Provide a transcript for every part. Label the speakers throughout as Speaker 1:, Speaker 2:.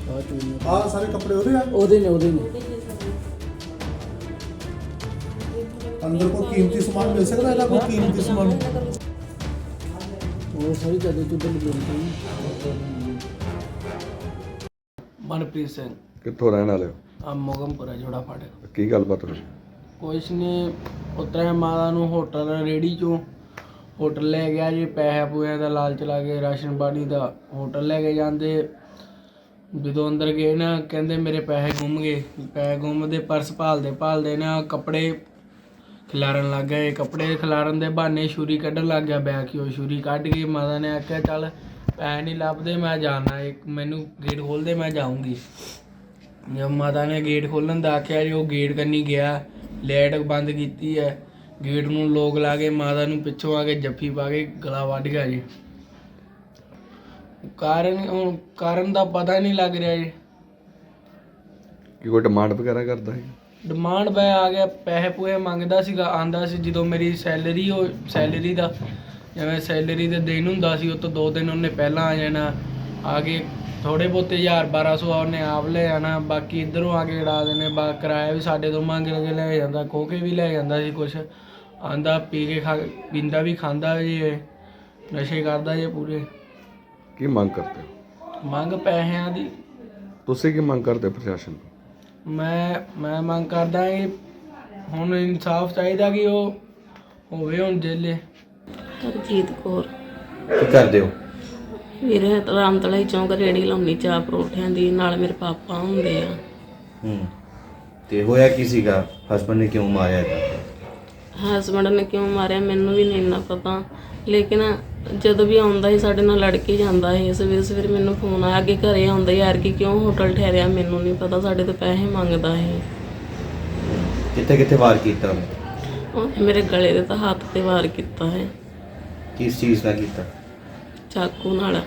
Speaker 1: ਆ ਸਾਰੇ ਕੱਪੜੇ ਉਹਦੇ ਆ?
Speaker 2: ਉਹਦੇ ਨੇ
Speaker 1: ਅੰਦਰ ਕੋਈ ਕੀਮਤੀ ਸਮਾਨ ਮਿਲ ਸਕਦਾ ਇਹਦਾ? ਕੋਈ ਕੀਮਤੀ ਸਮਾਨ
Speaker 2: ਉਹ ਸਾਰੀ ਚੱਦੇ ਚੁੱਦੇ ਲੱਗੇ ਨੇ। ਮਨਪ੍ਰੀਤ ਸਿੰਘ।
Speaker 3: ਕਿੱਥੋਂ ਰਹਿਣ ਵਾਲੇ ਹੋ?
Speaker 2: ਆ ਮੋਗਮਪੁਰਾ ਜੋੜਾ ਫਾਟੇ।
Speaker 3: ਕੀ ਗੱਲਬਾਤ ਹੋਈ?
Speaker 2: ਕੁਛ ਨਹੀਂ, ਉਤਰਿਆ ਮਾਤਾ ਨੂੰ ਹੋਟਲ ਰੇੜੀ ਚੋਂ ਹੋਟਲ ਲੈ ਗਿਆ ਜੀ, ਪੈਸੇ ਪੂਏ ਦਾ ਲਾਲਚ ਲਾ ਕੇ ਰਾਸ਼ਨ ਪਾਣੀ ਦਾ ਹੋਟਲ ਲੈ ਕੇ ਜਾਂਦੇ। ਜਦੋਂ ਅੰਦਰ ਗਏ ਨਾ ਕਹਿੰਦੇ ਮੇਰੇ ਪੈਸੇ ਗੁੰਮ ਗਏ। ਪੈਸੇ ਗੁੰਮਦੇ ਪਰਸ ਭਾਲਦੇ ਨਾ ਕੱਪੜੇ ਖਿਲਾਰਨ ਲੱਗ ਗਏ। ਕੱਪੜੇ ਖਿਲਾਰਨ ਦੇ ਬਹਾਨੇ ਛੁਰੀ ਕੱਢਣ ਲੱਗ ਗਿਆ ਬੈਗ ਚੋਂ। ਛੁਰੀ ਕੱਢ ਕੇ ਮਾਤਾ ਨੇ ਆਖਿਆ ਚੱਲ ਪੈਸੇ ਨਹੀਂ ਲੱਭਦੇ ਮੈਂ ਜਾਣਾ, ਇੱਕ ਮੈਨੂੰ ਗੇਟ ਖੋਲ੍ਹ ਦੇ ਮੈਂ ਜਾਊਂਗੀ। ਜਦ ਮਾਤਾ ਨੇ ਗੇਟ ਖੋਲ੍ਹਣ ਦਾ ਆਖਿਆ ਜੀ ਉਹ ਗੇਟ ਕੰਨੀ ਗਿਆ, ਲਾਈਟ ਬੰਦ ਕੀਤੀ ਹੈ, ਗੇਟ ਨੂੰ ਲੋਕ ਲਾ ਕੇ ਮਾਤਾ ਨੂੰ ਪਿੱਛੋਂ ਆ ਕੇ ਜੱਫੀ ਪਾ ਕੇ ਗਲਾ ਵੱਢ ਗਿਆ ਜੀ। ਕਾਰਨ ਦਾ ਪਤਾ ਨਹੀਂ ਲੱਗ ਰਿਹਾ ਜੀ।
Speaker 3: ਕੀ ਕੋਈ ਡਿਮਾਂਡ ਵਗੈਰਾ ਕਰਦਾ ਹੈ?
Speaker 2: ਡਿਮਾਂਡ ਬੈ ਆ ਗਿਆ, ਪੈਸੇ ਪੂਏ ਮੰਗਦਾ ਸੀਗਾ। ਆਂਦਾ ਸੀ ਜਦੋਂ ਮੇਰੀ ਸੈਲਰੀ ਦਾ ਜਿਵੇਂ ਸੈਲਰੀ ਦੇ ਦਿਨ ਹੁੰਦਾ ਸੀ ਉਹ ਤੋਂ 2 ਦਿਨ ਉਹਨੇ ਪਹਿਲਾਂ ਆ ਜਾਣਾ। ਆ ਕੇ ਥੋੜ੍ਹੇ ਬਹੁਤੇ 1000-1200 ਉਹਨੇ ਆਪ ਲੈ ਜਾਣਾ, ਬਾਕੀ ਇੱਧਰੋਂ ਆ ਕੇ ਉਡਾ ਦੇਣੇ। ਕਿਰਾਇਆ ਵੀ ਸਾਡੇ ਤੋਂ ਮੰਗ ਕੇ ਲੈ ਜਾਂਦਾ, ਖੋਹ ਕੇ ਵੀ ਲੈ ਜਾਂਦਾ ਸੀ ਕੁਛ। ਆਂਦਾ ਪੀ ਕੇ ਪੀਂਦਾ ਵੀ ਖਾਂਦਾ ਜੀ, ਨਸ਼ੇ ਕਰਦਾ ਜੀ ਪੂਰੇ।
Speaker 3: ਕੀ ਮੰਗ ਕਰਦੇ ਹੋ?
Speaker 2: ਮੰਗ ਪੈਸਿਆਂ ਦੀ।
Speaker 3: ਤੁਸੀਂ ਕੀ ਮੰਗ ਕਰਦੇ ਪ੍ਰਸ਼ਾਸਨ ਤੋਂ?
Speaker 2: ਮੈਂ ਮੰਗ ਕਰਦਾ ਕਿ ਹੁਣ ਇਨਸਾਫ ਚਾਹੀਦਾ ਕਿ ਉਹ ਹੋਵੇ ਹੁਣ ਜੇਲੇ।
Speaker 4: ਹਰਜੀਤ ਕੌਰ।
Speaker 5: ਕੀ ਕਰਦੇ ਹੋ?
Speaker 4: ਵੀਰੇ ਰਾਮਤਲਾ ਚੌਂਕ ਰੇੜੀ ਲਾਉਣੀ ਚਾਹ ਪਰੌਠਿਆਂ ਦੀ, ਨਾਲ ਮੇਰੇ ਪਾਪਾ ਹੁੰਦੇ ਆ।
Speaker 5: ਤੇ ਹੋਇਆ ਕੀ ਸੀਗਾ? ਹਸਬੰਡ ਨੇ ਕਿਉਂ ਮਾਰਿਆ ਇਹਦਾ?
Speaker 4: ਹਸਬੰਡ ਨੇ ਕਿਉਂ ਮਾਰਿਆ ਮੈਨੂੰ ਵੀ ਨਹੀਂ ਇੰਨਾ ਪਤਾ, ਲੇਕਿਨ ਜਦੋਂ ਵੀ ਆਉਂਦਾ ਸੀ ਸਾਡੇ ਨਾਲ ਲੜ ਕੇ ਜਾਂਦਾ ਸੀ। ਸਵੇਰੇ ਮੈਨੂੰ ਫੋਨ ਆਇਆ ਕਿ ਘਰੇ ਆਉਂਦਾ ਯਾਰ ਕਿ ਕਿਉਂ ਹੋਟਲ ਠਹਿਰਿਆ, ਮੈਨੂੰ ਨਹੀਂ ਪਤਾ, ਸਾਡੇ ਤੋਂ ਪੈਸੇ ਮੰਗਦਾ ਸੀ।
Speaker 5: ਕਿੱਥੇ ਵਾਰ ਕੀਤਾ ਉਹਨੇ?
Speaker 4: ਉਹਨੇ ਮੇਰੇ ਗਲੇ ਦੇ ਤਾਂ ਹੱਥ ਤੇ ਵਾਰ ਕੀਤਾ ਹੈ।
Speaker 5: ਕਿਸ ਚੀਜ਼ ਦਾ ਕੀਤਾ?
Speaker 4: ਚਾਕੂ ਨਾਲ।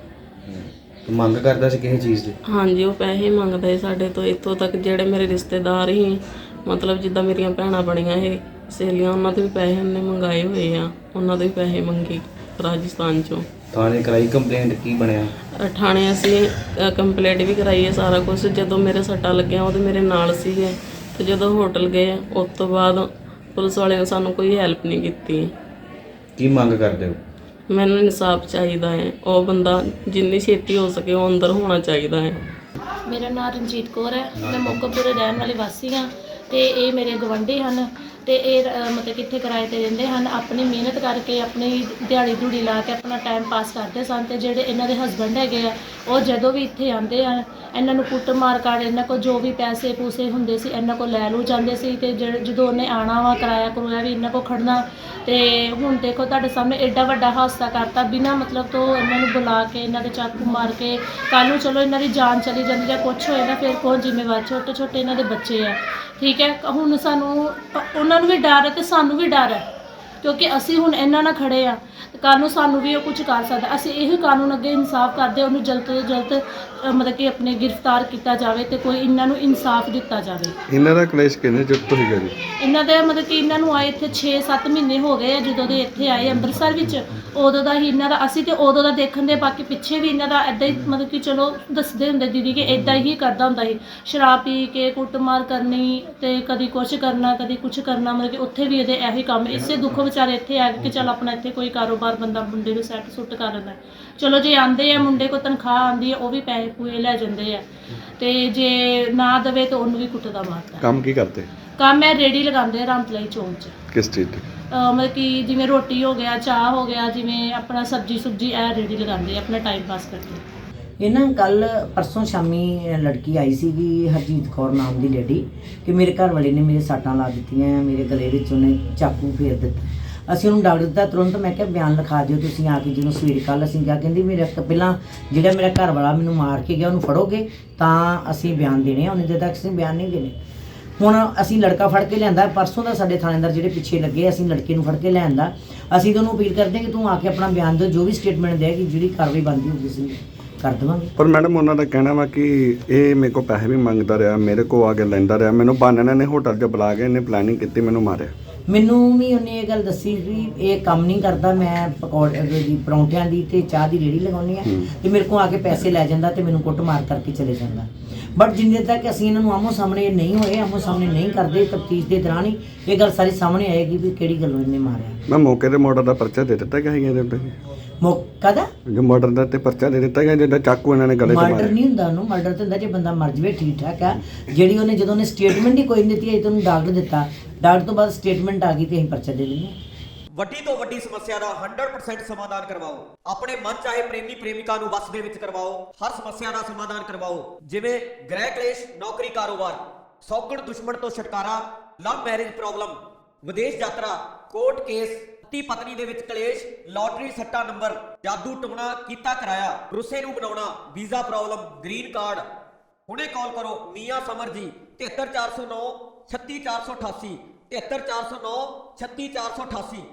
Speaker 5: ਤੂੰ ਮੰਗ ਕਰਦਾ ਸੀ ਕਿਸੇ ਚੀਜ਼ ਦੀ?
Speaker 4: ਹਾਂਜੀ, ਉਹ ਪੈਸੇ ਮੰਗਦਾ ਸੀ ਸਾਡੇ ਤੋਂ। ਇੱਥੋਂ ਤੱਕ ਜਿਹੜੇ ਮੇਰੇ ਰਿਸ਼ਤੇਦਾਰ ਸੀ, ਮਤਲਬ ਜਿੱਦਾਂ ਮੇਰੀਆਂ ਭੈਣਾਂ ਬਣੀਆਂ ਇਹ ਸਹੇਲੀਆਂ, ਉਹਨਾਂ ਤੋਂ ਵੀ ਪੈਸੇ ਉਹਨੇ ਮੰਗਾਏ ਹੋਏ ਆ। ਉਹਨਾਂ ਤੋਂ ਵੀ ਪੈਸੇ ਮੰਗੇ ਰਾਜਸਥਾਨ ਚੋਂ।
Speaker 5: ਥਾਣੇ ਕਰਾਈ ਕੰਪਲੇਂਟ? ਕੀ ਬਣਿਆ?
Speaker 4: ਥਾਣੇ ਅਸੀਂ ਕੰਪਲੇਂਟ ਵੀ ਕਰਾਈ ਹੈ, ਸਾਰਾ ਕੁਝ। ਜਦੋਂ ਮੇਰੇ ਸੱਟਾਂ ਲੱਗੀਆਂ ਉਹਦੇ ਮੇਰੇ ਨਾਲ ਸੀਗੇ, ਤੇ ਜਦੋਂ ਹੋਟਲ ਗਏ ਉਸ ਤੋਂ ਬਾਅਦ ਪੁਲਿਸ ਵਾਲਿਆਂ ਨੇ ਸਾਨੂੰ ਕੋਈ ਹੈਲਪ ਨਹੀਂ ਕੀਤੀ।
Speaker 5: ਕੀ ਮੰਗ ਕਰਦੇ ਹੋ?
Speaker 4: ਮੈਨੂੰ ਇਨਸਾਫ ਚਾਹੀਦਾ ਹੈ। ਉਹ ਬੰਦਾ ਜਿੰਨੀ ਛੇਤੀ ਹੋ ਸਕੇ ਉਹ ਅੰਦਰ ਹੋਣਾ ਚਾਹੀਦਾ ਹੈ।
Speaker 6: ਮੇਰਾ ਨਾਮ ਰਣਜੀਤ ਕੌਰ ਹੈ। ਮੈਂ ਮੋਗਮਪੁਰੇ ਰਹਿਣ ਵਾਲੀ ਵਾਸੀ ਹਾਂ ਤੇ ਇਹ ਮੇਰੇ ਗਵਾਂਢੀ ਹਨ ਤੇ ਇਹ ਮਤਲਬ ਕਿੱਥੇ ਕਿਰਾਏ ਤੇ ਰਹਿੰਦੇ ਹਨ। ਆਪਣੀ ਮਿਹਨਤ ਕਰਕੇ ਆਪਣੀ ਦਿਹਾੜੀ ਧੂੜੀ ਲਾ ਕੇ ਆਪਣਾ ਟਾਈਮ ਪਾਸ ਕਰਦੇ ਸਨ। ਤੇ ਜਿਹੜੇ ਇਹਨਾਂ ਦੇ ਹਸਬੈਂਡ ਹੈਗੇ ਆ ਉਹ ਜਦੋਂ ਵੀ ਇੱਥੇ ਆਉਂਦੇ ਆ ਇਹਨਾਂ ਨੂੰ ਕੁੱਟ ਮਾਰ ਕਰ, ਇਹਨਾਂ ਕੋਲ ਜੋ ਵੀ ਪੈਸੇ ਪੂਸੇ ਹੁੰਦੇ ਸੀ ਇਹਨਾਂ ਕੋਲ ਲੈ ਲੂ ਜਾਂਦੇ ਸੀ। ਤੇ ਜਦੋਂ ਉਹਨੇ ਆਉਣਾ ਵਾ ਕਿਰਾਇਆ ਕਰੂਆ ਵੀ ਇਹਨਾਂ ਕੋਲ ਖੜਨਾ। ਤੇ ਹੁਣ ਦੇਖੋ ਤੁਹਾਡੇ ਸਾਹਮਣੇ ਐਡਾ ਵੱਡਾ ਹਾਦਸਾ ਕਰਤਾ ਬਿਨਾਂ ਮਤਲਬ ਤੋਂ ਇਹਨਾਂ ਨੂੰ ਬੁਲਾ ਕੇ, ਇਹਨਾਂ ਦੇ ਚਾਕੂ ਮਾਰ ਕੇ। ਕੱਲ੍ਹ ਨੂੰ ਚਲੋ ਇਹਨਾਂ ਦੀ ਜਾਨ ਚਲੀ ਜਾਂਦੀ ਜਾਂ ਕੁਛ ਹੋਏ ਨਾ, ਫਿਰ ਕੌਣ ਜ਼ਿੰਮੇਵਾਰ? ਛੋਟੇ ਛੋਟੇ ਇਹਨਾਂ ਦੇ ਬੱਚੇ ਆ, ਠੀਕ ਹੈ। ਹੁਣ ਸਾਨੂੰ ਉਹਨਾਂ ਨੂੰ ਵੀ ਡਰ ਹੈ ਤੇ ਸਾਨੂੰ ਵੀ ਡਰ ਹੈ, ਕਿਉਂਕਿ ਅਸੀਂ ਹੁਣ ਇਹਨਾਂ ਨਾਲ ਖੜੇ ਆ। ਕੱਲ੍ਹ ਨੂੰ ਸਾਨੂੰ ਵੀ ਉਹ ਕੁਝ ਕਰ ਸਕਦਾ। ਅਸੀਂ ਇਹੀ ਕਾਨੂੰਨ ਅੱਗੇ ਇਨਸਾਫ ਕਰਦੇ, ਉਹਨੂੰ ਜਲਦ ਤੋਂ ਜਲਦ ਮਤਲਬ ਕਿ ਆਪਣੇ ਗ੍ਰਿਫਤਾਰ ਕੀਤਾ ਜਾਵੇ ਤੇ ਕੋਈ ਇਹਨਾਂ ਨੂੰ ਇਨਸਾਫ ਦਿੱਤਾ ਜਾਵੇ।
Speaker 3: ਇਹਨਾਂ ਦਾ ਕਲੇਸ਼ ਕਿੰਨੇ ਚਿਰ ਤੋਂ ਸੀਗਾ ਜੀ?
Speaker 6: ਇਹਨਾਂ ਦੇ ਮਤਲਬ ਕਿ ਇਹਨਾਂ ਨੂੰ ਆਏ ਇੱਥੇ 6-7 ਮਹੀਨੇ ਹੋ ਗਏ ਆ। ਜਦੋਂ ਦੇ ਇੱਥੇ ਆਏ ਅੰਮ੍ਰਿਤਸਰ ਵਿੱਚ ਉਦੋਂ ਦਾ ਹੀ ਇਹਨਾਂ ਦਾ ਅਸੀਂ ਤੇ ਉਦੋਂ ਦਾ ਦੇਖਣ ਦੇ। ਬਾਕੀ ਪਿੱਛੇ ਵੀ ਇਹਨਾਂ ਦਾ ਇੱਦਾਂ ਹੀ ਮਤਲਬ ਕਿ ਚਲੋ ਦੱਸਦੇ ਹੁੰਦੇ ਦੀਦੀ ਕਿ ਇੱਦਾਂ ਹੀ ਕਰਦਾ ਹੁੰਦਾ ਸੀ। ਸ਼ਰਾਬ ਪੀ ਕੇ ਕੁੱਟਮਾਰ ਕਰਨੀ ਤੇ ਕਦੀ ਕੁਛ ਕਰਨਾ ਕਦੀ ਕੁਛ ਕਰਨਾ, ਮਤਲਬ ਕਿ ਉੱਥੇ ਵੀ ਇਹਦੇ ਇਹੀ ਕੰਮ। ਇਸੇ ਦੁੱਖ ਵਿਚਾਰੇ ਇੱਥੇ ਆ ਕੇ ਚੱਲ ਆਪਣਾ ਇੱਥੇ ਕੋਈ ਕਾਰੋਬਾਰ ਬੰਦਾ ਮੁੰਡੇ ਨੂੰ ਸੈੱਟ ਸੁੱਟ ਕਰ ਲੈਂਦਾ। ਚਲੋ ਜੇ ਆਉਂਦੇ ਆ ਮੁੰਡੇ ਕੋਲ ਤਨਖਾਹ ਆਉਂਦੀ ਹੈ ਉਹ ਵੀ ਪੈਸੇ ਪੂਏ ਲੈ ਜਾਂਦੇ ਆ, ਤੇ ਜੇ ਨਾ ਦੇਵੇ ਤਾਂ ਉਹਨੂੰ ਵੀ ਕੁੱਟਦਾ ਮਾਰਦਾ।
Speaker 3: ਕੰਮ ਕੀ ਕਰਦੇ?
Speaker 6: ਕੰਮ ਹੈ ਰੇੜੀ ਲਗਾਉਂਦੇ ਆ ਰਾਮਤਲਾਈ ਚੌਂਕ 'ਚ।
Speaker 3: ਕਿਸ ਚੀਜ਼ ਦੀ?
Speaker 6: ਮਤਲਬ ਕਿ ਜਿਵੇਂ ਰੋਟੀ ਹੋ ਗਿਆ, ਚਾਹ ਹੋ ਗਿਆ, ਜਿਵੇਂ ਆਪਣਾ ਸਬਜ਼ੀ ਸੁਬਜੀ ਇਹ ਰੇੜੀ ਲਗਾਉਂਦੇ ਆ ਆਪਣਾ ਟਾਈਮ ਪਾਸ ਕਰਦੇ।
Speaker 7: ਇਹ ਨਾ ਕੱਲ ਪਰਸੋਂ ਸ਼ਾਮੀ ਲੜਕੀ ਆਈ ਸੀਗੀ ਹਰਜੀਤ ਕੌਰ ਨਾਮ ਦੀ ਲੇਡੀ, ਕਿ ਮੇਰੇ ਘਰ ਵਾਲੇ ਨੇ ਮੇਰੇ ਸੱਟਾਂ ਲਾ ਦਿੱਤੀਆਂ, ਮੇਰੇ ਗਲੇ ਵਿੱਚ ਉਹਨੇ ਚਾਕੂ ਫੇਰ ਦਿੱਤਾ। ਅਸੀਂ ਉਹਨੂੰ ਡਾਕਟਰ ਦਿੱਤਾ ਤੁਰੰਤ। ਮੈਂ ਕਿਹਾ ਬਿਆਨ ਲਿਖਾ ਦਿਓ ਤੁਸੀਂ ਆ ਕੇ। ਜਦੋਂ ਸਵੇਰੇ ਕੱਲ੍ਹ ਅਸੀਂ ਕਿਹਾ, ਕਹਿੰਦੀ ਮੇਰੇ ਪਹਿਲਾਂ ਜਿਹੜਾ ਮੇਰਾ ਘਰ ਵਾਲਾ ਮੈਨੂੰ ਮਾਰ ਕੇ ਗਿਆ ਉਹਨੂੰ ਫੜੋਗੇ ਤਾਂ ਅਸੀਂ ਬਿਆਨ ਦੇਣੇ ਆ, ਉਹਨੇ ਦੇ ਤੱਕ ਅਸੀਂ ਬਿਆਨ ਨਹੀਂ ਦੇਣੇ। ਹੁਣ ਅਸੀਂ ਲੜਕਾ ਫੜ ਕੇ ਲਿਆਂਦਾ ਪਰਸੋਂ ਦਾ, ਸਾਡੇ ਥਾਣੇਦਾਰ ਜਿਹੜੇ ਪਿੱਛੇ ਲੱਗੇ ਅਸੀਂ ਲੜਕੇ ਨੂੰ ਫੜ ਕੇ ਲਿਆਂਦਾ। ਅਸੀਂ ਤੁਹਾਨੂੰ ਅਪੀਲ ਕਰਦੇ ਕਿ ਤੂੰ ਆ ਕੇ ਆਪਣਾ ਬਿਆਨ ਦਿਓ, ਜੋ ਵੀ ਸਟੇਟਮੈਂਟ ਦੇਗੀ ਜਿਹੜੀ ਕਾਰਵਾਈ ਬਣਦੀ ਹੋਊਗੀ ਅਸੀਂ ਕਰ ਦੇਵਾਂਗੇ।
Speaker 3: ਪਰ ਮੈਡਮ ਉਹਨਾਂ ਦਾ ਕਹਿਣਾ ਵਾ ਕਿ ਇਹ ਮੇਰੇ ਕੋਲ ਪੈਸੇ ਵੀ ਮੰਗਦਾ ਰਿਹਾ, ਮੇਰੇ ਕੋਲ ਆ ਕੇ ਲੈਂਦਾ ਰਿਹਾ, ਮੈਨੂੰ ਬਾਨਣ ਨੇ ਹੋਟਲ 'ਚ ਬੁਲਾ ਕੇ ਇਹਨੇ ਪਲੈਨਿੰਗ ਕੀਤੀ, ਮੈਨੂੰ ਮਾਰਿਆ।
Speaker 7: ਮੈਨੂੰ ਵੀ ਉਹਨੇ ਇਹ ਗੱਲ ਦੱਸੀ ਵੀ ਇਹ ਕੰਮ ਨਹੀਂ ਕਰਦਾ, ਮੈਂ ਪਕੌੜੇ ਦੀ ਪਰੌਂਠਿਆਂ ਦੀ ਤੇ ਚਾਹ ਦੀ ਰੇਹੜੀ ਲਗਾਉਣੀ ਆ ਤੇ ਮੇਰੇ ਕੋਲ ਆ ਕੇ ਪੈਸੇ ਲੈ ਜਾਂਦਾ ਤੇ ਮੈਨੂੰ ਕੁੱਟਮਾਰ ਕਰਕੇ ਚਲੇ ਜਾਂਦਾ। ਬਟ ਜਿੰਨੇ ਤੱਕ ਅਸੀਂ ਇਹਨਾਂ ਨੂੰ ਆਮੋ ਸਾਹਮਣੇ ਨਹੀਂ ਹੋਏ, ਆਮੋ ਸਾਹਮਣੇ ਨਹੀਂ ਕਰਦੇ, ਤਫਤੀਸ਼ ਦੇ ਦੌਰਾਨ ਹੀ ਇਹ ਗੱਲ ਸਾਰੀ ਸਾਹਮਣੇ ਆਏਗੀ ਵੀ ਕਿਹੜੀ ਗੱਲੋਂ ਇਹਨੇ ਮਾਰਿਆ।
Speaker 3: ਮੈਂ ਮੌਕੇ ਤੇ ਮਰਡਰ ਦਾ ਪਰਚਾ ਦੇ ਦਿੱਤਾ ਗਿਆ ਸੀ ਇਹਦੇ ਉੱਤੇ,
Speaker 7: ਮੌਕਾ ਦਾ
Speaker 3: ਜੋ ਮਰਡਰ ਦਾ ਤੇ ਪਰਚਾ ਦੇ ਦਿੱਤਾ ਗਿਆ ਜਿਹੜਾ ਚਾਕੂ ਇਹਨਾਂ ਨੇ ਗਲੇ 'ਚ
Speaker 7: ਮਰਡਰ
Speaker 3: ਮਾਰਿਆ।
Speaker 7: ਨਹੀਂ ਹੁੰਦਾ, ਉਹਨੂੰ ਮਰਡਰ ਤੇ ਹੁੰਦਾ ਜੇ ਬੰਦਾ ਮਰ ਜਵੇ, ਠੀਕ ਠਾਕ ਆ। ਜਿਹੜੀ ਉਹਨੇ ਜਦੋਂ ਉਹਨੇ ਸਟੇਟਮੈਂਟ ਹੀ ਕੋਈ ਨਹੀਂ ਦਿੱਤੀ, ਅਜੇ ਤੁਹਾਨੂੰ ਡਾਕਟਰ ਦਿੱਤਾ, ਡਾਕਟਰ ਤੋਂ ਬਾਅਦ ਸਟੇਟਮੈਂਟ ਆ ਗਈ ਤੇ ਅਸੀਂ ਪਰਚਾ ਦੇ ਦਿੰਦੇ ਹਾਂ।
Speaker 8: ਵੱਡੀ ਤੋਂ ਵੱਡੀ ਸਮੱਸਿਆ ਦਾ 100% ਸਮਾਧਾਨ ਕਰਵਾਓ। ਆਪਣੇ ਮਨ ਚਾਹੇ ਪ੍ਰੇਮੀ ਪ੍ਰੇਮਿਕਾ ਨੂੰ ਵਸ ਦੇ ਵਿੱਚ ਕਰਵਾਓ। ਹਰ ਸਮੱਸਿਆ ਦਾ ਸਮਾਧਾਨ ਕਰਵਾਓ, ਜਿਵੇਂ ਗ੍ਰਹਿ ਕਲੇਸ਼, ਨੌਕਰੀ, ਕਾਰੋਬਾਰ, ਸੌਗਣ ਦੁਸ਼ਮਣ ਤੋਂ ਛੁਟਕਾਰਾ, ਲਵ ਮੈਰਿਜ ਪ੍ਰੋਬਲਮ, ਵਿਦੇਸ਼ ਯਾਤਰਾ, ਕੋਰਟ ਕੇਸ, ਪਤੀ ਪਤਨੀ ਦੇ ਵਿੱਚ ਕਲੇਸ਼, ਲਾਟਰੀ ਸੱਟਾ ਨੰਬਰ, ਜਾਦੂ ਟੋਣਾ ਕੀਤਾ ਕਰਾਇਆ, ਰੁੱਸੇ ਨੂੰ ਬਣਾਉਣਾ, ਵੀਜ਼ਾ ਪ੍ਰੋਬਲਮ, ਗ੍ਰੀਨ ਕਾਰਡ। ਹੁਣੇ ਕਾਲ ਕਰੋ ਮੀਆਂ ਸਮਰ ਜੀ 73409 36488 73409 36488।